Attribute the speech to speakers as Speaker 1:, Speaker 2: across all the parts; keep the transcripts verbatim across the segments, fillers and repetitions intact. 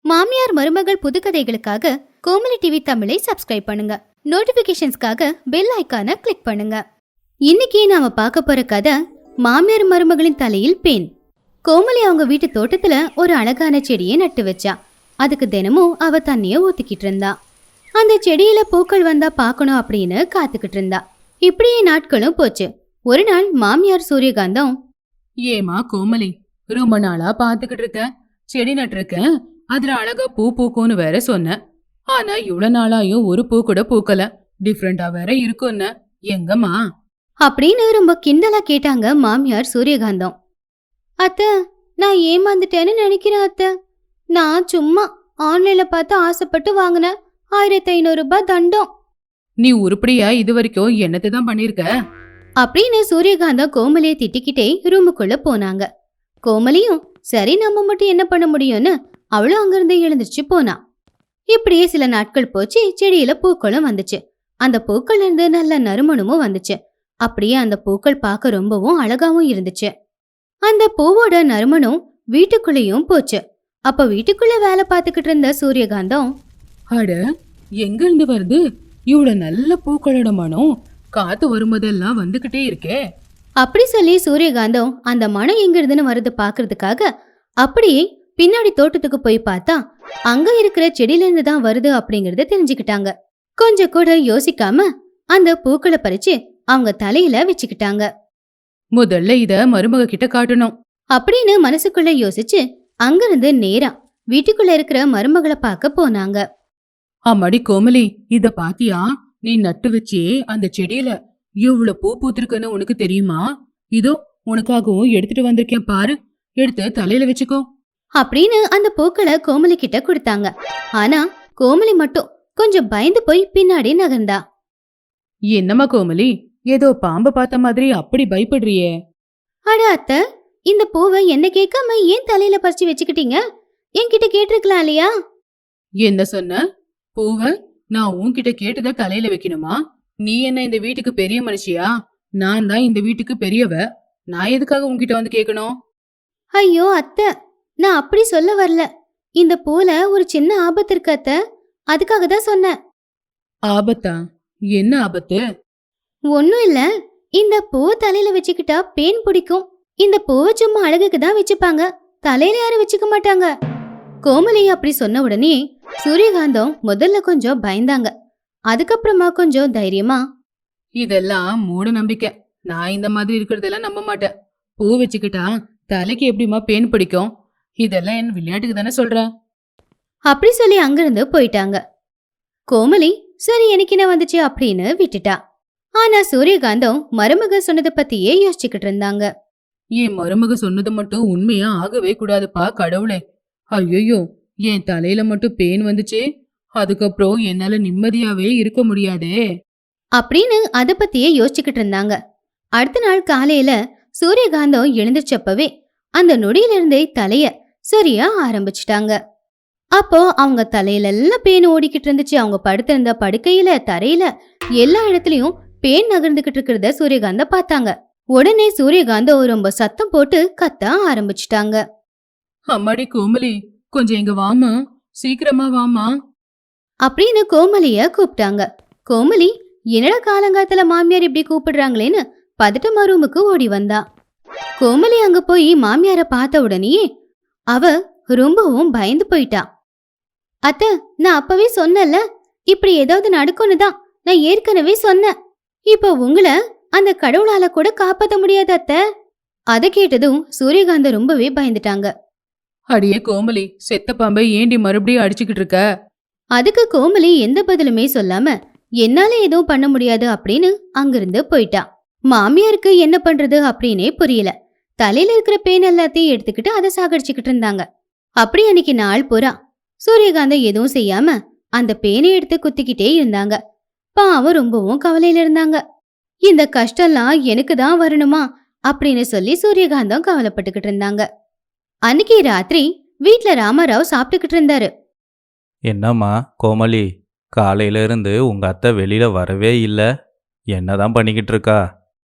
Speaker 1: மாமியார் மருமகள் புதுக்கதைகளுக்காக கோமலி டிவி தமிழை சப்ஸ்கிரைப் பண்ணுங்க. நோட்டிபிகேஷன்ஸ்க்காக பெல் ஐக்கானை கிளிக் பண்ணுங்க. இன்னைக்கு நாம பார்க்க போற கதை மாமியார் மருமகளின் தலையில் பேன். கோமலி அவங்க வீட்டு தோட்டத்துல ஒரு அழகான செடியை நட்டு வச்சா. அதுக்கு தினமும் அவ தண்ணிய ஊத்திக்கிட்டு இருந்தா. அந்த செடியில பூக்கள் வந்தா பாக்கணும் அப்படின்னு காத்துக்கிட்டு இருந்தா. இப்படியே நாட்களும் போச்சு. ஒரு நாள் மாமியார் சூரியகாந்தம்,
Speaker 2: ஏமா கோமலி, ரொம்ப நாளா பாத்துக்கிட்டு இருக்க, செடி நட்டிருக்க, அதுல அழகா பூ பூக்கும்னு வேற சொன்ன. ஆனா இவ்வளவு நாளாயும் ஒரு பூ கூட பூக்கல, டிஃப்ரெண்டா வேற இருக்கும்னு, எங்கம்மா
Speaker 1: அப்படின்னு ரொம்ப கிண்டலா கேட்டாங்க மாமியார் சூரியகாந்தம். அத்த, நான் ஏமாந்துட்டேன்னு நினைக்கிறேன் அத்த. நான் சும்மா ஆன்லைன்ல பார்த்து ஆசைப்பட்டு வாங்கினேன் ஆயிரத்தி ஐநூறு ரூபாய் தண்டம்.
Speaker 2: நீ உருப்படியா இது வரைக்கும் என்னத்தை தான் பண்ணிருக்க
Speaker 1: அப்படின்னு சூரியகாந்தம் கோமலியை திட்டிக்கிட்டே ரூமுக்குள்ள போனாங்க. கோமலியும் சரி நம்ம மட்டும் என்ன பண்ண முடியும்னு அவளும் அங்கிருந்து எழுந்திருச்சு போனா. இப்படியே சில நாட்கள் போச்சு. செடியில பூக்களும் வந்துச்சு. அந்த பூக்கள் இருந்து நல்ல நறுமணமும் வந்துச்சு. அப்படியே அந்த பூக்கள் பார்க்க ரொம்பவும் அழகாவும் இருந்துச்சு. அந்த பூவோட நறுமணம் வீட்டுக்குள்ளேயும் போச்சு. அப்ப வீட்டுக்குள்ள வேலை பார்த்துக்கிட்டு இருந்த சூரியகாந்தம்,
Speaker 2: அட, எங்க இருந்து வருது இவ்வளவு நல்ல பூக்களோட மனம்? காத்து வரும்போதெல்லாம் வந்துகிட்டே இருக்கே.
Speaker 1: அப்படி சொல்லி சூரியகாந்தம் அந்த மனம் எங்க இருந்துன்னு வருது பாக்குறதுக்காக அப்படியே பின்னாடி தோட்டத்துக்கு போய் பார்த்தா அங்க இருக்கிற செடியில இருந்து தான் வருது அப்படிங்கறத தெரிஞ்சுக்கிட்டாங்க. கொஞ்சம் கூட யோசிக்காம அந்த பூக்களை பறிச்சு அவங்க தலையில வச்சுக்கிட்டாங்க.
Speaker 2: முதல்ல இத மருமக கிட்ட காட்டணும்
Speaker 1: அப்படின்னு மனசுக்குள்ள யோசிச்சு அங்கிருந்து நேரா வீட்டுக்குள்ள இருக்கிற மருமகளை பார்க்க போனாங்க.
Speaker 2: அம்மாடி கோமலி, இத பாத்தியா? நீ நட்டு வச்சே அந்த செடியில எவ்வளவு பூ பூத்திருக்குன்னு உனக்கு தெரியுமா? இதோ உனக்காகவும் எடுத்துட்டு வந்திருக்கேன் பாரு, எடுத்து தலையில வச்சுக்கோ
Speaker 1: அப்படின்னு அந்த பூக்களை கோமலி கிட்ட கொடுத்தாங்க. ஆனா கோமலி மட்டும் கொஞ்சம் பயந்து போய் பின்னாடி நகர்ந்தா.
Speaker 2: என்னம்மா கோமலி, ஏதோ பாம்பு பார்த்த மாதிரி அப்படி பயப்படுறியே?
Speaker 1: அட அத்தை, இந்த பூவை என்ன கேட்காம ஏன் தலையில பறிச்சு வச்சுக்கிட்டீங்க? என்கிட்ட கேட்டிருக்கலாம் இல்லையா?
Speaker 2: என்ன சொன்ன? பூவை நான் உன்கிட்ட கேட்டுத தலையில வைக்கணுமா? நீ என்ன இந்த வீட்டுக்கு பெரிய மனுஷியா? நான் தான் இந்த வீட்டுக்கு பெரியவ. நான் எதுக்காக உன்கிட்ட வந்து கேட்கணும்?
Speaker 1: ஐயோ அத்தை, நான் அப்படி சொல்ல வரல. இந்த பூல ஒரு சின்ன ஆபத்து இருக்கு அத்தை, அதுக்காக தான் சொன்னேன்.
Speaker 2: ஆபத்தா? என்ன ஆபத்து?
Speaker 1: ஒன்னும் இல்ல, இந்த பூவை தலையில வச்சுக்கிட்டா பேன் பிடிக்கும். இந்த பூவை சும்மா அழகுக்கு தான் வச்சுப்பாங்க, தலையில யாரும் வச்சுக்க மாட்டாங்க. கோமலி அப்படி சொன்ன உடனே சூரியகாந்தம் முதல்ல கொஞ்சம் பயந்தாங்க. அதுக்கப்புறமா கொஞ்சம் தைரியமா,
Speaker 2: இதெல்லாம் மூட நம்பிக்கை. நான் இந்த மாதிரி இருக்கிறதெல்லாம் நம்ப மாட்டேன். பூ வச்சுக்கிட்டா தலைக்கு எப்படிமா பேன் பிடிக்கும்? இதெல்லாம் என் விளையாட்டுக்கு தானே சொல்ற.
Speaker 1: அப்படி சொல்லி அங்கிருந்து போயிட்டாங்க. கோமலி சரி எனக்கு என்ன வந்துச்சு அப்படின்னு விட்டுட்டா. ஆனா சூரியகாந்தம் மருமக சொன்னதை பத்தியே யோசிச்சுக்கிட்டு இருந்தாங்க.
Speaker 2: என் மருமக சொன்னது மட்டும் உண்மையா ஆகவே கூடாதுப்பா கடவுளே. ஐயோ, என் தலையில மட்டும் பேன் வந்துச்சு, அதுக்கப்புறம் என்னால நிம்மதியாவே இருக்க முடியாதே
Speaker 1: அப்படின்னு அத பத்தியே யோசிச்சுக்கிட்டு இருந்தாங்க. அடுத்த நாள் காலையில சூரியகாந்தம் எழுந்திருச்சப்பவே அந்த நொடியிலிருந்தே தலைய சரியா ஆரம்பிச்சுட்டாங்க. அப்போ அவங்க தலையில எல்லாம் பேன் ஓடிக்கிட்டு இருந்துச்சு. அவங்க படுத்திருந்த படுக்கையில, தரையில, எல்லா இடத்துலயும் பேன் நகர்ந்துகிட்டு இருக்கிறத சூரியகாந்தம் பார்த்தாங்க. உடனே சூரியகாந்தம் ரொம்ப சத்தம் போட்டு கத்த ஆரம்பிச்சுட்டாங்க.
Speaker 2: அம்மாடி கோமலி, கொஞ்சம் இங்க வாமா, சீக்கிரமா வாமா
Speaker 1: அப்படின்னு கோமலிய கூப்பிட்டாங்க. கோமலி என்னடா காலங்காத்துல மாமியார் இப்படி கூப்பிடுறாங்களேன்னு பதட்டமா ரூமுக்கு ஓடி வந்தா. கோமலி அங்க போய் மாமியார பார்த்த உடனேயே அவ ரொம்பவும் பயந்து போயிட்டா. அத்த, நான் அப்பவே சொன்னல, இப்படி ஏதாவது நடக்கும்னு தான் நான் ஏற்கனவே சொன்னேன். இப்போ உங்களை அந்த கடவுளால கூட காப்பாத்த முடியாது அத்த. அதை கேட்டதும் சூரியகாந்த ரொம்பவே பயந்துட்டாங்க.
Speaker 2: அடியே கோமலி, செத்த பாம்பை ஏண்டி மறுபடியும் அடிச்சுக்கிட்டு இருக்க?
Speaker 1: அதுக்கு கோமலி எந்த பதிலுமே சொல்லாம என்னால எதுவும் பண்ண முடியாது அப்படின்னு அங்கிருந்து போயிட்டா. மாமியாருக்கு என்ன பண்றது அப்படின்னே புரியல. தலையில இருக்கிற பேன் எல்லாத்தையும் எடுத்துக்கிட்டு அதை சாகடிச்சுக்கிட்டு இருந்தாங்க. அப்படி அன்னைக்கு நாள் பூரா சூரியகாந்தம் எதுவும் செய்யாம அந்த பேனை எடுத்து குத்திக்கிட்டே இருந்தாங்க. பாவம் ரொம்பவும் கவலையில இருந்தாங்க. இந்த கஷ்டம்லாம் எனக்கு தான் வரணுமா அப்படின்னு சொல்லி சூரியகாந்தம் கவலைப்பட்டுக்கிட்டு இருந்தாங்க. அன்னைக்கு ராத்திரி வீட்ல ராமராவ் சாப்பிட்டுக்கிட்டு இருந்தாரு.
Speaker 3: என்னம்மா கோமலி, காலையில இருந்து உங்க அத்தை வெளியில வரவே இல்ல, என்னதான் பண்ணிக்கிட்டு இருக்கா?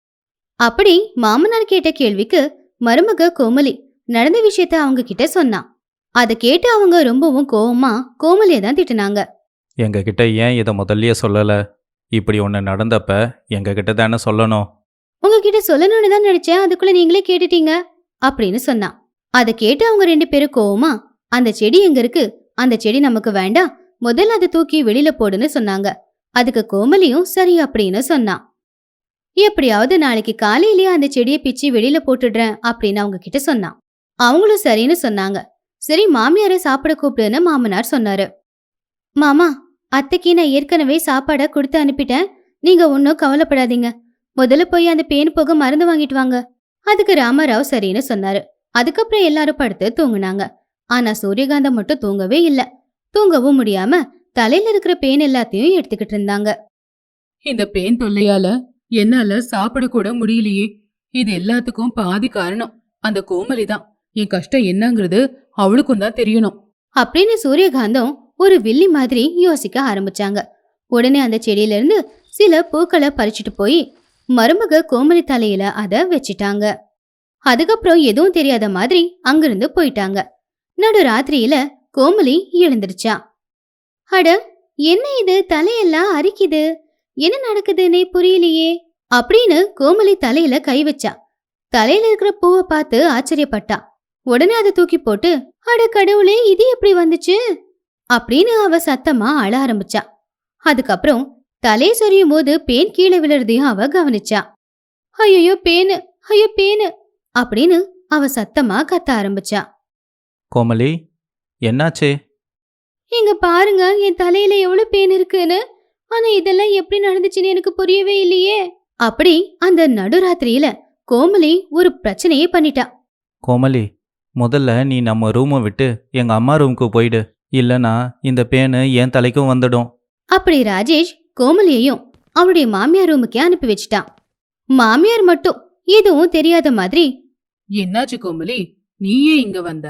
Speaker 1: அப்படி மாமனார் கேட்ட கேள்விக்கு மருமக கோமலி நடந்த விஷயத்த அவங்க கிட்ட சொன்னான். அதை கேட்டு அவங்க ரொம்பவும் கோவமா கோமலியை தான் திட்டுனாங்க.
Speaker 3: எங்ககிட்ட ஏன் இதை முதல்லயே சொல்லலை? இப்படி ஒன்று நடந்தப்ப எங்ககிட்ட தானே சொல்லணும்.
Speaker 1: உங்ககிட்ட சொல்லணும்னு தான் நினைச்சேன், அதுக்குள்ள நீங்களே கேட்டுட்டீங்க அப்படின்னு சொன்னான். அதை கேட்டு அவங்க ரெண்டு பேரும் கோவமா, அந்த செடி எங்க இருக்கு, அந்த செடி நமக்கு வேண்டாம், முதல்ல அதை தூக்கி வெளியில போடுன்னு சொன்னாங்க. அதுக்கு கோமலியும் சரி அப்படின்னு சொன்னான். எப்படியாவது நாளைக்கு காலையிலேயே அந்த செடியை பிச்சு வெளியில போட்டுடுறேன் அப்படின்னு அவங்க கிட்ட சொன்னான். அவங்களும் சரின்னு சொன்னாங்க. சரி, மாமியாரை சாப்பிட கூப்பிடுன்னு மாமனார் சொன்னாரு. மாமா, அத்தைக்கு நான் ஏற்கனவே சாப்பாட கொடுத்து அனுப்பிட்டேன், நீங்க ஒன்னும் கவலைப்படாதீங்க, முதல்ல போய் அந்த பேன் போக மருந்து வாங்கிட்டு வாங்க. அதுக்கு ராமராவ் சரின்னு சொன்னாரு. அதுக்கப்புறம் எல்லாரும் படுத்து தூங்குனாங்க. ஆனா சூரியகாந்தம் மட்டும் தூங்கவே இல்ல. தூங்கவும் முடியாம தலையில இருக்கிற பேன் எல்லாத்தையும் எடுத்துக்கிட்டு இருந்தாங்க.
Speaker 2: இந்த பேன் தொல்லையால என்னால சாப்பிட கூட முடியலையே. இது எல்லாத்துக்கும் பாதி காரணம் அந்த கோமலி தான். என் கஷ்டம் என்னங்கிறது அவளுக்கும் தான் தெரியணும்
Speaker 1: அப்படின்னு சூரியகாந்தம் ஒரு வில்லி மாதிரி யோசிக்க ஆரம்பிச்சாங்க. உடனே அந்த செடியில இருந்து சில பூக்களை பறிச்சுட்டு போய் மருமக கோமலி தலையில அத வச்சிட்டாங்க. அதுக்கப்புறம் எதுவும் தெரியாத மாதிரி அங்கிருந்து போயிட்டாங்க. நடு ராத்திரியில கோமலி எழுந்திருச்சா. அட, என்ன இது, தலையெல்லாம் அரிக்குது, என்ன நடக்குதுன்னே புரியலையே அப்படின்னு கோமலி தலையில கை வச்சா. தலையில இருக்கிற பூவை பார்த்து ஆச்சரியப்பட்டா. உடனே அதை தூக்கி போட்டு, அட கடவுளே, இது எப்படி வந்துச்சு அப்படின்னு அவ சத்தமா அழ ஆரம்பிச்சா. அதுக்கப்புறம் தலையை சொரியும் போது பேன் கீழே விழுறதையும் அவ கவனிச்சா. ஐயோ பேனு, ஐயோ பேனு அப்படின்னு அவ சத்தமா கத்த ஆரம்பிச்சா.
Speaker 3: கோமலி, என்னாச்சு?
Speaker 1: இங்க பாருங்க, என் தலையில எவ்வளவு பேன் இருக்குன்னு. ஆனா இதெல்லாம் எப்படி நடந்துச்சுன்னு எனக்கு புரியவே இல்லையே அப்படி அந்த நடுராத்திரியில கோமலி ஒரு பிரச்சனையே பண்ணிட்டா.
Speaker 3: கோமலி, முதல்ல நீ நம்ம ரூமை விட்டு எங்கள் அம்மா ரூமுக்கு போயிடு, இல்லைனா இந்த பேனு என் தலைக்கும் வந்துடும்.
Speaker 1: அப்படி ராஜேஷ் கோமலியையும் அவளுடைய மாமியார் ரூமுக்கே அனுப்பி வச்சிட்டான். மாமியார் மட்டும் எதுவும் தெரியாத மாதிரி,
Speaker 2: என்னாச்சு கோமலி, நீயே இங்க வந்த?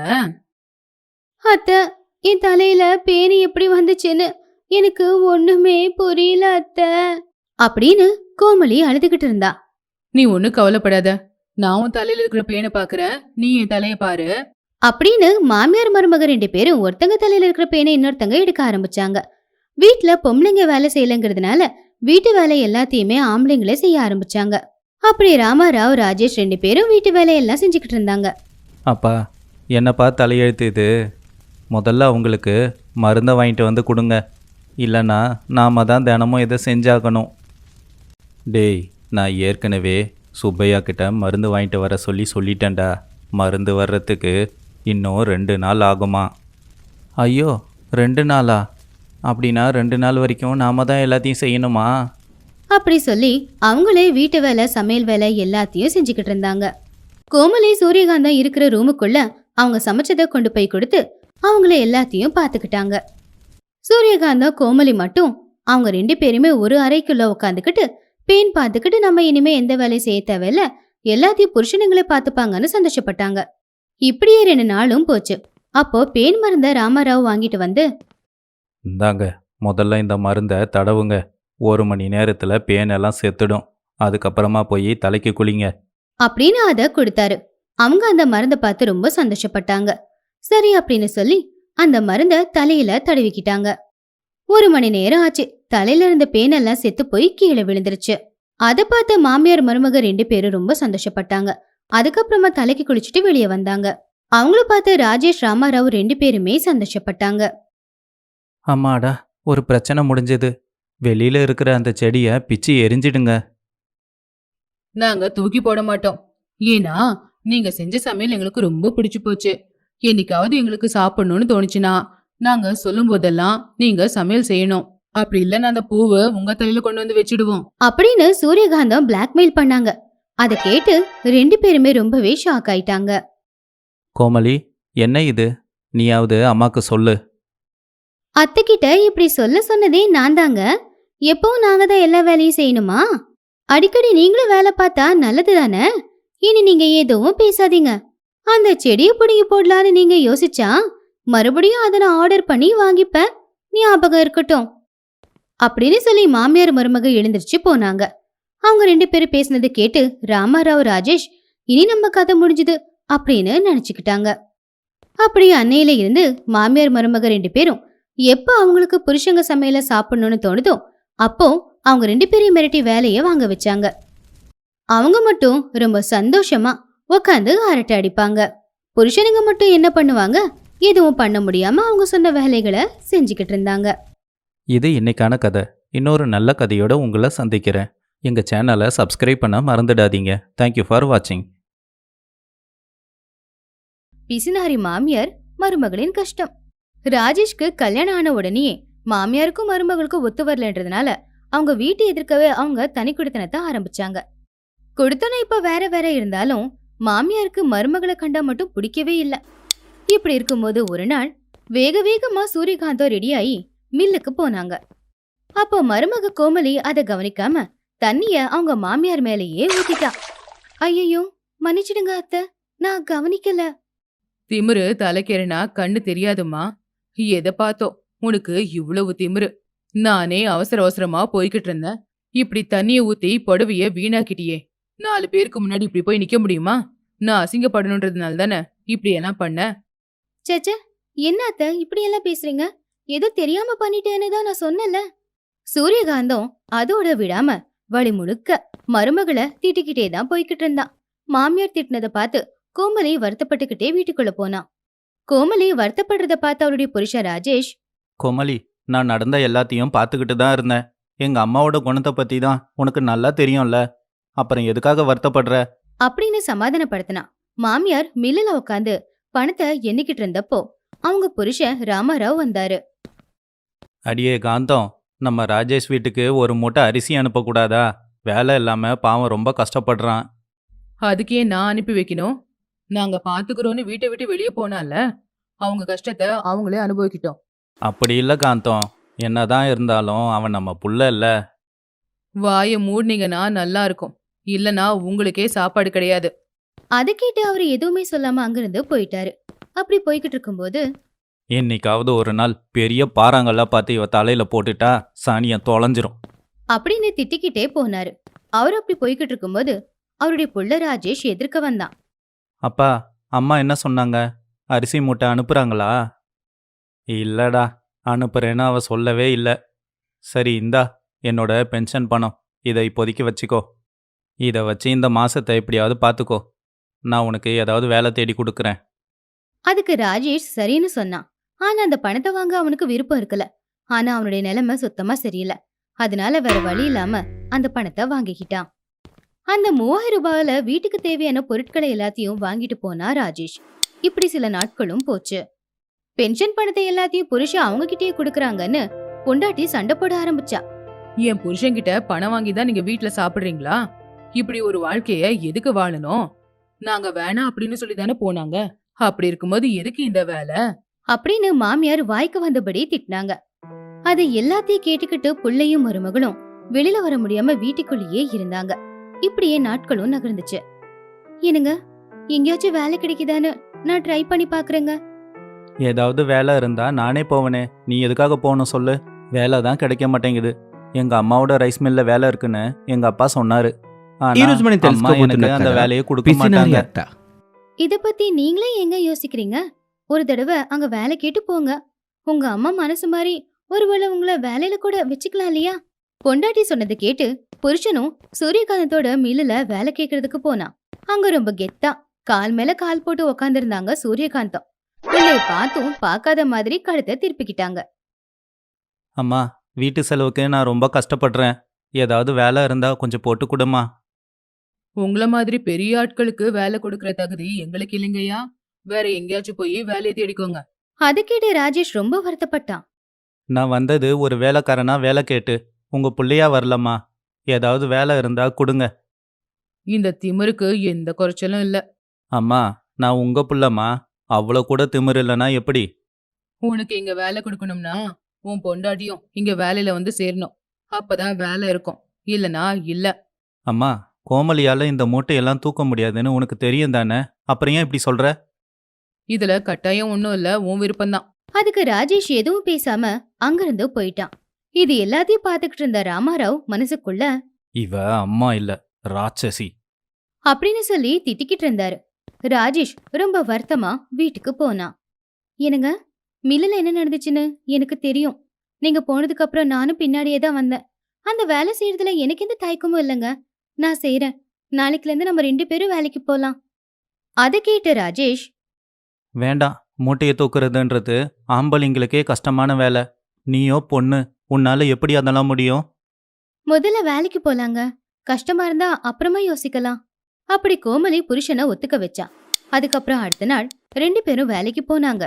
Speaker 1: அத்தை, என் தலையில பேனு எப்படி வந்துச்சுன்னு எனக்கு ஒண்ணுமே புரியல அத்தை அப்படின்னு கோமலி அழுதுகிட்டு இருந்தா.
Speaker 2: நீ ஒன்னும் கவலைப்படாத, நான் உன் தலையில இருக்கிற பேனை பாக்குறேன், நீ என் தலைய பாரு
Speaker 1: அப்படின்னு மாமியார் மருமக ரெண்டு பேரும் ஒருத்தங்க தலையில இருக்கிற பேனை இன்னொருத்தங்க எடுக்க ஆரம்பிச்சாங்க. வீட்டுல பொம்பளைங்க வேலை செய்யலங்கிறதுனால வீட்டு வேலை எல்லாத்தையுமே ஆம்பளைங்களே செய்ய ஆரம்பிச்சாங்க. அப்படி ராமாராவ் ராஜேஷ் ரெண்டு பேரும் வீட்டு வேலையெல்லாம் செஞ்சுக்கிட்டு இருந்தாங்க.
Speaker 3: அப்பா, என்னப்பா தலையெழுத்து இது? முதல்ல அவங்களுக்கு மருந்தை வாங்கிட்டு வந்து கொடுங்க, இல்லைன்னா நாம தான் தினமும் இதை செஞ்சாகணும். டேய், நான் ஏற்கனவே சுப்பையா கிட்ட மருந்து வாங்கிட்டு வர சொல்லி சொல்லிட்டேன்டா. மருந்து வர்றதுக்கு இன்னும் ரெண்டு நாள் ஆகுமா? ஐயோ, ரெண்டு நாளா? அப்படின்னா ரெண்டு நாள் வரைக்கும் நாம தான் எல்லாத்தையும் செய்யணுமா?
Speaker 1: அப்படி சொல்லி அவங்களே வீட்டு வேலை சமையல் வேலை எல்லாத்தையும் செஞ்சுக்கிட்டு இருந்தாங்க. கோமலி சூரியகாந்தம் இருக்கிற ரூமுக்குள்ள அவங்க சமைச்சதை கொண்டு போய் கொடுத்து அவங்கள எல்லாத்தையும் பார்த்துக்கிட்டாங்க. சூரியகாந்தம் கோமலி மட்டும் அவங்க ரெண்டு பேருமே ஒரு அறைக்குள்ள உட்காந்துக்கிட்டு பேன் பார்த்துக்கிட்டு நம்ம இனிமே எந்த வேலையும் செய்ய தேவையில்ல, எல்லாத்தையும் புருஷனுங்களே பார்த்துப்பாங்கன்னு சந்தோஷப்பட்டாங்க. இப்படியே ரெண்டு நாளும் போச்சு. அப்போ பேன் மருந்த ராமராவ் வாங்கிட்டு வந்து,
Speaker 3: இந்தாங்க, முதல்ல இந்த மருந்தை தடவுங்க, ஒரு மணி நேரத்தில் பேனெல்லாம் செத்துடும், அதுக்கப்புறமா போய் தலைக்கு குளிங்க
Speaker 1: அப்படின்னு அத கொடுத்தாரு. அவங்க அந்த மருந்தை பார்த்து ரொம்ப சந்தோஷப்பட்டாங்க. சரி அப்படின்னு சொல்லி அந்த மருந்த தலையில தடவிக்கிட்டாங்க. ஒரு மணி நேரம் ஆச்சு. தலையில இருந்த பேனெல்லாம் செத்து போய் கீழே விழுந்துருச்சு. அதை பார்த்த மாமியார் மருமக ரெண்டு பேரும் ரொம்ப சந்தோஷப்பட்டாங்க. அதுக்கப்புறமா தலைக்கு குளிச்சுட்டு வெளியே வந்தாங்க. அவங்கள பார்த்து ராஜேஷ் ராமாராவ் ரெண்டு பேருமே சந்தோஷப்பட்டாங்க.
Speaker 3: அம்மாடா, ஒரு பிரச்சனை முடிஞ்சது. வெளியில இருக்கிற அந்த செடியை பிச்சு எரிஞ்சிடுங்க.
Speaker 2: நாங்க தூக்கி போட மாட்டோம், ஏன்னா நீங்க செஞ்ச சமையல் எங்களுக்கு ரொம்ப பிடிச்சு போச்சு. என்னைக்காவது எங்களுக்கு சாப்பிடணும்னு தோணுச்சுன்னா நாங்க சொல்லும் போதெல்லாம் நீங்க சமையல் செய்யணும், அப்படி இல்லைன்னா அந்த பூவை உங்க தலையில கொண்டு வந்து வச்சிடுவோம்
Speaker 1: அப்படின்னு சூரியகாந்தம் பிளாக்மெயில் பண்ணாங்க. அதை கேட்டு ரெண்டு பேருமே ரொம்பவே ஷாக் ஆயிட்டாங்க.
Speaker 3: கோமலி, என்ன இது? நீயாவது அம்மாக்கு சொல்லு.
Speaker 1: அத்தை கிட்ட இப்படி சொல்ல சொன்னதே நான் தாங்க. எப்பவும் நாங்க தான் எல்லா வேலையும் செய்யணுமா? அடிக்கடி நீங்களும் வேலை பார்த்தா நல்லது தானே. இனி நீங்க எதுவும் பேசாதீங்க. அந்த செடியை பிடுங்கி போடலான்னு நீங்க யோசிச்சா மறுபடியும் அதை நான் ஆர்டர் பண்ணி வாங்கிப்பேன், ஞாபகம் இருக்கட்டும் அப்படின்னு சொல்லி மாமியார் மருமக எழுந்திருச்சு போனாங்க. அவங்க ரெண்டு பேரும் பேசினது கேட்டு ராமாராவ் ராஜேஷ் இனி நம்ம கதை முடிஞ்சுது அப்படின்னு நினைச்சுக்கிட்டாங்க. அப்படி அன்னையில இருந்து மாமியார் மருமக ரெண்டு பேரும் எப்ப அவங்களுக்கு புருஷங்க சமையல சாப்பிடணும்னு தோணுதோ அப்போ அவங்க ரெண்டு பேரையும் மிரட்டி வேலைய வாங்க வச்சாங்க. அவங்க மட்டும் ரொம்ப சந்தோஷமா உக்காந்து அரட்டை அடிப்பாங்க. புருஷனுங்க மட்டும் என்ன பண்ணுவாங்க, எதுவும் பண்ண முடியாம அவங்க சொன்ன வேலைகளை செஞ்சுக்கிட்டு இருந்தாங்க.
Speaker 3: இது இன்னைக்கான கதை. இன்னொரு நல்ல கதையோட உங்களை சந்திக்கிறேன். எங்கள் சேனலை சப்ஸ்கிரைப் பண்ண மறந்துடாதீங்க. தேங்க்யூ ஃபார் வாட்சிங்.
Speaker 1: பிசினாரி மாமியார் மருமகளின் கஷ்டம். ராஜேஷ்க்கு கல்யாணம் ஆன உடனே மாமியாருக்கும் மருமகளுக்கும் ஒத்து வரலன்றதுனால அவங்க வீட்டு எதிர்க்கவே அவங்க தனி குடித்தனத்தை ஆரம்பிச்சாங்க. குடித்தனம் இப்ப வேற வேற இருந்தாலும் மாமியாருக்கு மருமகளை கண்டா மட்டும் பிடிக்கவே இல்லை. இப்படி இருக்கும்போது ஒரு நாள் வேக வேகமா சூரியகாந்தம் ரெடியாகி மில்லுக்கு போனாங்க. அப்போ மருமக கோமலி அதை கவனிக்காம தண்ணிய அவங்க மாமியார் மேலேயே ஊத்திட்டா. ஐயோ, மன்னிச்சிடுங்க அத்தை, நான் கவனிக்கல.
Speaker 2: திமிரு தலைக்கேறினா கண்ணு தெரியாதுமா. எதை பார்த்தோ உனக்கு இவ்வளவு திமிரு? நானே அவசர அவசரமா போய்கிட்டு இருந்தேன். இப்படி தண்ணிய ஊத்தி புடவைய வீணாக்கிட்டியே. நாலு பேருக்கு முன்னாடி இப்படி போய் நிக்க முடியுமா? நான் அசிங்கப்படணுன்றதுனால தானே இப்படி எல்லாம் பண்ண.
Speaker 1: சேச்சே, என்ன அத்தை இப்படி எல்லாம் பேசுறீங்க? ஏதோ தெரியாம பண்ணிட்டேன்னு தான் நான் சொன்னல. சூரியகாந்தம் அதோட விடாம வழி முழுக்க மருமகளை திட்டிக்கிட்டே தான் போய்கிட்டு இருந்தான். மாமியார் திட்டினதை பார்த்து கோமலி வருத்தப்பட்டுக்கிட்டே வீட்டுக்குள்ள போனான். கோமலி வருத்தப்படுறத பார்த்து அவருடைய புருஷன் ராஜேஷ்,
Speaker 3: கோமலி, நான் நடந்த எல்லாத்தையும் பார்த்துக்கிட்டு தான் இருந்தேன். எங்கள் அம்மாவோட குணத்தை பற்றி தான் உனக்கு நல்லா தெரியும்ல. அப்புறம் எதுக்காக வருத்தப்படுற
Speaker 1: அப்படின்னு சமாதானப்படுத்தினான். மாமியார் மில்லுல உட்காந்து பணத்தை எண்ணிக்கிட்டு இருந்தப்போ அவங்க புருஷன் ராமாராவ் வந்தாரு.
Speaker 3: அடியே காந்தம், நம்ம ராஜேஷ் வீட்டுக்கு ஒரு மூட்டை அரிசி அனுப்பக்கூடாதா? வேலை இல்லாமல் பாவம் ரொம்ப கஷ்டப்படுறான்.
Speaker 2: அதுக்கே நான் அனுப்பி வைக்கணும்? நாங்க பாத்துக்கிறோன்னு வீட்டை விட்டு வெளியே போனால அவங்க கஷ்டத்தை அவங்களே அனுபவிக்கிட்டோம்.
Speaker 3: அப்படி இல்லை காந்தம், என்னதான் இருந்தாலும் அவன் நம்ம புள்ள இல்ல.
Speaker 2: வாயை மூடினீங்கன்னா நல்லா இருக்கும். இல்லனா உங்களுக்கே சாப்பாடு கிடையாது.
Speaker 1: அதை கேட்டு அவரு எதுவுமே சொல்லாம அங்கிருந்து போயிட்டாரு. அப்படி போய்கிட்டு இருக்கும்போது,
Speaker 3: என்னைக்காவது ஒரு நாள் பெரிய பாறாங்கல்லாம் பார்த்து இவ தலையில போட்டுட்டா சாணியம் தொலைஞ்சிரும்
Speaker 1: அப்படின்னு திட்டிக்கிட்டே போனாரு. அவர் அப்படி போய்கிட்டு இருக்கும்போது அவருடைய புள்ள ராஜேஷ் எதிர்க்க வந்தான்.
Speaker 3: அப்பா, அம்மா என்ன சொன்னாங்க? அரிசி மூட்டை அனுப்புறாங்களா? இல்லடா, அனுப்புறேன்னு அவ சொல்லவே இல்லை. சரி, இந்தா என்னோட பென்ஷன் பணம், இதை இப்போதைக்கு வச்சுக்கோ. இதை வச்சு இந்த மாசத்தை எப்படியாவது பார்த்துக்கோ. நான் உனக்கு ஏதாவது வேலை தேடி கொடுக்குறேன்.
Speaker 1: அதுக்கு ராஜேஷ் சரின்னு சொன்னான். ஆனா அந்த பணத்தை வாங்க அவனுக்கு விருப்பம் இருக்கல. ஆனா அவனுடைய நிலைமை சுத்தமா சரியில்லை. அதனால வேற வழி இல்லாம அந்த பணத்தை வாங்கிக்கிட்டான். அந்த மூவாயிரம் ரூபாயில வீட்டுக்கு தேவையான பொருட்களை எல்லாத்தையும் வாங்கிட்டு போனா ராஜேஷ். இப்படி சில நாட்களும் போச்சு. பென்ஷன் பணத்தை எல்லாத்தையும் புருஷன் அவங்க கிட்டயே குடுக்கறாங்கன்னு பொண்டாட்டி சண்டை போட ஆரம்பிச்சா.
Speaker 2: என் புருஷன்கிட்ட பணம் வாங்கி தான் நீங்க வீட்டுல சாப்பிடுறீங்களா? இப்படி ஒரு வாழ்க்கைய எதுக்கு வாழணும்? நாங்க வேணாம் அப்படின்னு சொல்லி தானே போனாங்க. அப்படி இருக்கும்போது எதுக்கு இந்த வேலை?
Speaker 1: அப்படின்னு மாமியார் வாய்க்கு வந்தபடி திட்டினாங்க. அது எல்லாத்தையும் கேட்டுக்கிட்டு புள்ளையும் மருமகளும் வெளியில வர முடியாம வீட்டுக்குள்ளேயே இருந்தாங்க. இப்படியே நாட்களும் நகர்ந்துச்சு. என்னங்க, எங்கேயாச்சும் வேலை கிடைக்குதான்னு நான் ட்ரை பண்ணி பாக்குறேங்க.
Speaker 3: ஏதாவது வேலை இருந்தா நானே போவனே, நீ எதுக்காக போகணும் சொல்லு? வேலை தான் கிடைக்க மாட்டேங்குது. எங்க அம்மாவோட ரைஸ் மில்ல வேலை இருக்குன்னு எங்க அப்பா சொன்னாரு. ஆனா
Speaker 4: ఈరోజు మనం
Speaker 3: அம்மா
Speaker 4: తెలుసుకోబోతున్న
Speaker 3: எனக்கு அந்த
Speaker 4: కథ
Speaker 3: வேலையை கொடுக்க
Speaker 4: పిసినారి
Speaker 3: மாட்டாங்க.
Speaker 4: అత్త.
Speaker 1: இத பத்தி நீங்களே எங்க யோசிக்கிறீங்க? ஒரு தடவை அங்க வேலை கேட்டு போங்க. உங்க அம்மா மனசு மாதிரி ஒருவேளை உங்களை வேலையில கூட வச்சுக்கலாம் இல்லையா? பொண்டாட்டி சொன்னதை கேட்டு புருஷனும் சூரியகாந்தத்தோட மில்லுல வேலை கேட்கறதுக்கு போனான். அங்க ரொம்ப கெத்தா கால் மேல கால் போட்டு உக்காந்துருந்தாங்க சூரியகாந்தம். பிள்ளைய பார்த்தும் பார்க்காத மாதிரி கழுத்தை திருப்பிக்கிட்டாங்க.
Speaker 3: அம்மா, வீட்டு செலவுக்கு நான் ரொம்ப கஷ்டப்படுறேன். ஏதாவது வேலை இருந்தா கொஞ்சம் போட்டு கொடுமா.
Speaker 2: உங்கள மாதிரி பெரிய ஆட்களுக்கு வேலை கொடுக்கற தகுதி எங்களுக்கு இல்லைங்கய்யா. வேற எங்கேயாச்சும் போய் வேலையை தேடிக்கோங்க.
Speaker 1: அதை கேட்டு ராஜேஷ் ரொம்ப வருத்தப்பட்டான்.
Speaker 3: நான் வந்தது ஒரு வேலைக்காரனா வேலை கேட்டு, உங்க புள்ளையா வரலம்மா. ஏதாவது வேலை இருந்தா கொடுங்க.
Speaker 2: இந்த திமிருக்கு எந்த குறைச்சலும் இல்ல.
Speaker 3: அம்மா, நான் உங்க புள்ளம்மா. அவ்வளோ கூட திமிரு இல்லைன்னா எப்படி?
Speaker 2: உனக்கு இங்க வேலை கொடுக்கணும்னா உன் பொண்டாட்டியும் இங்க வேலையில வந்து சேரணும். அப்பதான் வேலை இருக்கும். இல்லனா இல்ல.
Speaker 3: அம்மா, கோமலியால இந்த மூட்டையெல்லாம் தூக்க முடியாதுன்னு உனக்கு தெரியும் தானே? அப்புறம் ஏன் இப்படி சொல்ற?
Speaker 2: இதுல கட்டாயம் ஒண்ணும் இல்ல, உன் விருப்பம்தான்.
Speaker 1: அதுக்கு ராஜேஷ் எதுவும் பேசாம அங்கிருந்து போயிட்டான். இது எல்லாத்தையும் பார்த்துக்கிட்டு இருந்த ராமாராவ் மனசுக்குள்ள
Speaker 3: இவ அம்மா இல்ல, ராட்சசி
Speaker 1: அப்படின்னு சொல்லி திட்டிக்கிட்டு இருந்தாரு. ராஜேஷ் ரொம்ப வருத்தமா வீட்டுக்கு போனான். என்னங்க, மில்லுல என்ன நடந்துச்சுன்னு எனக்கு தெரியும். நீங்க போனதுக்கு அப்புறம் நானும் பின்னாடியே தான் வந்தேன். அந்த வேலை செய்யறதுல எனக்கு எந்த தயக்கமும் இல்லைங்க. நான் செய்றேன். நாளைக்குல இருந்து நம்ம ரெண்டு பேரும் வேலைக்கு போலாம். அத கேட்ட ராஜேஷ்,
Speaker 3: வேண்டாம், மூட்டையை தூக்குறதுன்றது ஆம்பளைங்களுக்கே கஷ்டமான வேலை. நீயோ பொண்ணு, உன்னால எப்படி அதெல்லாம் முடியும்?
Speaker 1: முதல்ல வேலைக்கு போலாங்க. கஷ்டமா இருந்தா அப்புறமா யோசிக்கலாம். அப்படி கோமலி புருஷனை ஒத்துக்க வச்சா. அதுக்கப்புறம் அடுத்த நாள் ரெண்டு பேரும் வேலைக்கு போனாங்க.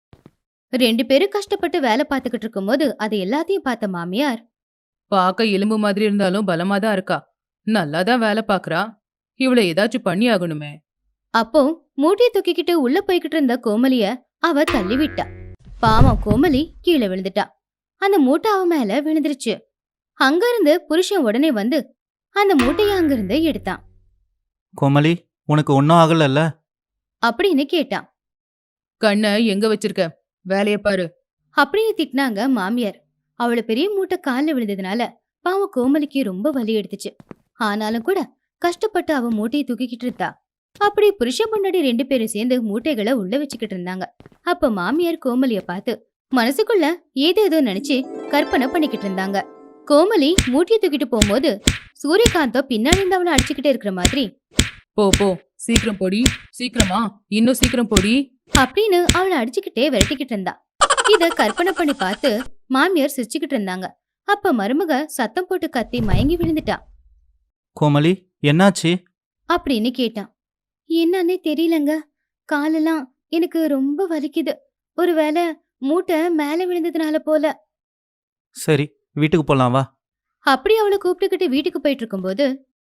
Speaker 1: ரெண்டு பேரும் கஷ்டப்பட்டு வேலை பார்த்துக்கிட்டு இருக்கும்போது அது எல்லாத்தையும் பார்த்த மாமியார்,
Speaker 2: பார்க்க எலும்பு மாதிரி இருந்தாலும் பலமா தான் இருக்கா. நல்லா தான் வேலை பாக்குறா. இவளை ஏதாச்சும் பண்ணி ஆகணுமே.
Speaker 1: அப்போ மூட்டையை தூக்கிக்கிட்டு உள்ள போய்கிட்டு இருந்த கோமலிய அவ தள்ளி விட்டா. பாவம் கோமலி கீழே விழுந்துட்டா. அந்த மூட்டை அவ மேல விழுந்துருச்சு. அங்கிருந்து புருஷன் உடனே வந்து அந்த மூட்டைய அங்கிருந்து எடுத்தான்.
Speaker 3: கோமலி, உனக்கு ஒன்றும் ஆகலல்ல?
Speaker 1: அப்படின்னு கேட்டான்.
Speaker 2: கண்ணை எங்க வச்சிருக்க? வேலைய பாரு.
Speaker 1: அப்படின்னு திட்டினாங்க மாமியார். அவளை பெரிய மூட்டை காலில் விழுந்ததுனால பாவம் கோமலிக்கு ரொம்ப வலி எடுத்துச்சு. ஆனாலும் கூட கஷ்டப்பட்டு அவ மூட்டையை தூக்கிக்கிட்டு இருந்தா. அப்படி புருஷன் முன்னாடி ரெண்டு பேரும் சேர்ந்து மூட்டைகளை உள்ள வச்சுக்கிட்டு இருந்தாங்க. அப்ப மாமியார் கோமலிய பார்த்து மனசுக்குள்ள ஏதேதோ நினைச்சு கற்பனை பண்ணிக்கிட்டு இருந்தாங்க. கோமலி மூட்டையை தூக்கிட்டு போகும்போது சூரியகாந்தோ பின்னாடி இருந்து அவளை அடிச்சுக்கிட்டே இருக்கிற மாதிரி,
Speaker 2: போ போ, சீக்கிரம் போடி, சீக்கிரமா, இன்னும் சீக்கிரம் போடி
Speaker 1: அப்படின்னு அவளை அடிச்சுக்கிட்டே விரட்டிக்கிட்டு இருந்தா. இத கற்பனை பண்ணி பார்த்து மாமியார் சிரிச்சுக்கிட்டு இருந்தாங்க. அப்ப மருமக சத்தம் போட்டு கத்தி மயங்கி விழுந்துட்டா.
Speaker 3: கோமலி, என்னாச்சு?
Speaker 1: அப்படின்னு கேட்டான். என்னன்னே தெரியலங்க, காலெல்லாம் எனக்கு ரொம்ப வலிக்குது. ஒருவேளை மூட்டை மேல விழுந்ததுனால போல.
Speaker 3: சரி, வீட்டுக்கு போலாம் வா.
Speaker 1: அப்படி அவளை கூப்பிட்டுக்கிட்டு வீட்டுக்கு போயிட்டு இருக்கும்போது,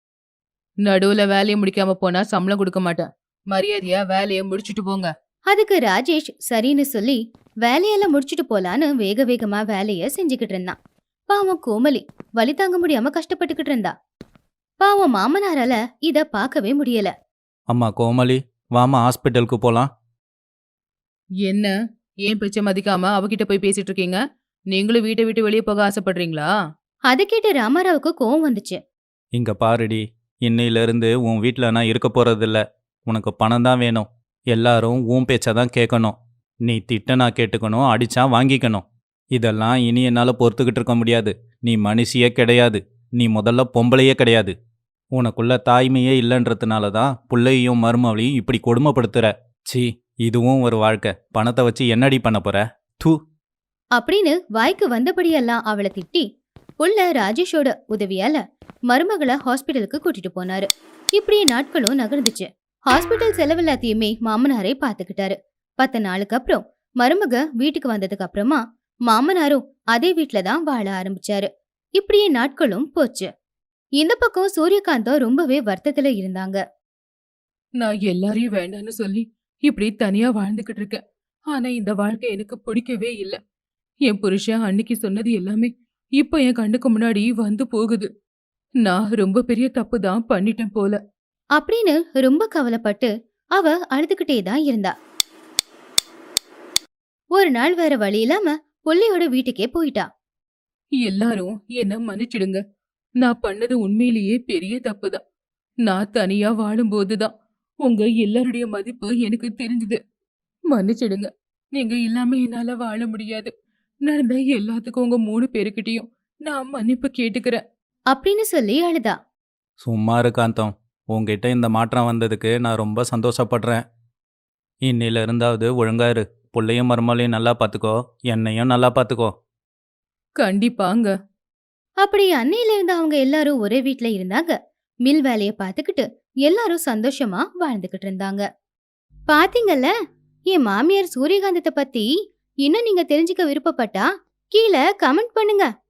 Speaker 2: நடுவுல வேலையை முடிக்காம போனா சம்பளம் கொடுக்க மாட்டேன். மரியாதையா வேலையை முடிச்சிட்டு போங்க.
Speaker 1: அதுக்கு ராஜேஷ் சரின்னு சொல்லி வேலையெல்லாம் முடிச்சிட்டு போலான்னு வேக வேகமா வேலைய செஞ்சுக்கிட்டு இருந்தான். பாவம் கோமலி வலி தாங்க முடியாம கஷ்டப்பட்டுக்கிட்டு இருந்தா. பாவம் மாமனாரால இத பார்க்கவே முடியல.
Speaker 3: அம்மா கோமலி, வாமா ஹாஸ்பிட்டலுக்கு போலாம்.
Speaker 2: என்ன, ஏன் பேச்ச மதிக்காம அவகிட்ட போய் பேசிட்டு இருக்கீங்க? நீங்களும் வீட்டை விட்டு வெளியே போக ஆசைப்படுறீங்களா?
Speaker 1: அதை கேட்டு ராமாராவுக்கு கோவம் வந்துச்சு.
Speaker 3: இங்க பாருடி, இன்னையிலிருந்து உன் வீட்டில் நான் இருக்க போறதில்ல. உனக்கு பணம் தான் வேணும். எல்லாரும் உன் பேச்சை தான் கேட்கணும். நீ திட்ட நான் கேட்டுக்கணும், அடிச்சா வாங்கிக்கணும். இதெல்லாம் இனி என்னால் பொறுத்துக்கிட்டு இருக்க முடியாது. நீ மனுஷியே கிடையாது. நீ முதல்ல பொம்பளையே கிடையாது. உனக்குள்ள தாய்மையே இல்லைன்றதுனால தான் புள்ளையும் மருமவளையும் இப்படி கொடுமைப்படுத்துற. சி, இதுவும் ஒரு வாழ்க்கை. பணத்தை வச்சு என்னடி பண்ண போற? தூ.
Speaker 1: அப்படின்னு வாய்க்கு வந்தபடியெல்லாம் அவளை திட்டி புள்ள ராஜேஷோட உதவியால மருமகளை ஹாஸ்பிட்டலுக்கு கூட்டிட்டு போனாரு. இப்படியே நாட்களும் நகர்ந்துச்சு. ஹாஸ்பிட்டல் செலவெல்லாத்தையுமே மாமனாரே பாத்துக்கிட்டாரு. பத்து நாளுக்கு அப்புறம் மருமக வீட்டுக்கு வந்ததுக்கு அப்புறமா மாமனாரும் அதே வீட்டுல தான் வாழ ஆரம்பிச்சாரு. இப்படியே நாட்களும் போச்சு. இந்த பக்கம் சூரியகாந்தா ரொம்பவே வருத்தத்துல இருந்தாங்க.
Speaker 2: நான் எல்லாரையும் வேண்டான்னு சொல்லி இப்படி தனியா வாழ்ந்துகிட்டு இருக்கேன். ஆனா இந்த வாழ்க்கை எனக்கு பிடிக்கவே இல்ல. என் புருஷன் அன்னைக்கு சொன்னது எல்லாமே இப்ப என் கண்ணுக்கு முன்னாடி வந்து போகுது. நான் ரொம்ப பெரிய தப்பு தான் பண்ணிட்டேன் போல.
Speaker 1: அப்படின்னு ரொம்ப கவலைப்பட்டு அவ அழுதுகிட்டே தான் இருந்தா. ஒரு நாள் வேற வழி இல்லாம புள்ளையோட வீட்டுக்கே போயிட்டா.
Speaker 2: எல்லாரும் என்ன மன்னிச்சிடுங்க. நான் பண்ணது உண்மையிலேயே பெரிய தப்புதான். நான் தனியா வாழும்போதுதான் உங்க எல்லாருடைய மதிப்பு எனக்கு தெரிஞ்சது. மன்னிச்சிடுங்க. நீங்க இல்லாம என்னால வாழ முடியாது. நடந்த எல்லாத்துக்கும் உங்க மூணு பேருக்கிட்டையும் நான் மன்னிப்பு கேட்டுக்கிறேன்.
Speaker 1: அப்படின்னு சொல்லி அழுதா.
Speaker 3: சும்மா இரு காந்தம். உங்ககிட்ட இந்த மாற்றம் வந்ததுக்கு நான் ரொம்ப சந்தோஷப்படுறேன். இன்னில இருந்தாவது ஒழுங்கா இரு. புள்ளையும் மருமலையும் நல்லா பார்த்துக்கோ, என்னையும் நல்லா பார்த்துக்கோ.
Speaker 2: கண்டிப்பாங்க.
Speaker 1: அப்படி அன்னையில இருந்து அவங்க எல்லாரும் ஒரே வீட்ல இருந்தாங்க. மில் வேலைய பாத்துக்கிட்டு எல்லாரும் சந்தோஷமா வாழ்ந்துகிட்டு இருந்தாங்க. பாத்தீங்கல்ல, என் மாமியார் சூரியகாந்தத்தை பத்தி இன்னும் நீங்க தெரிஞ்சுக்க விருப்பப்பட்டா கீழே கமெண்ட் பண்ணுங்க.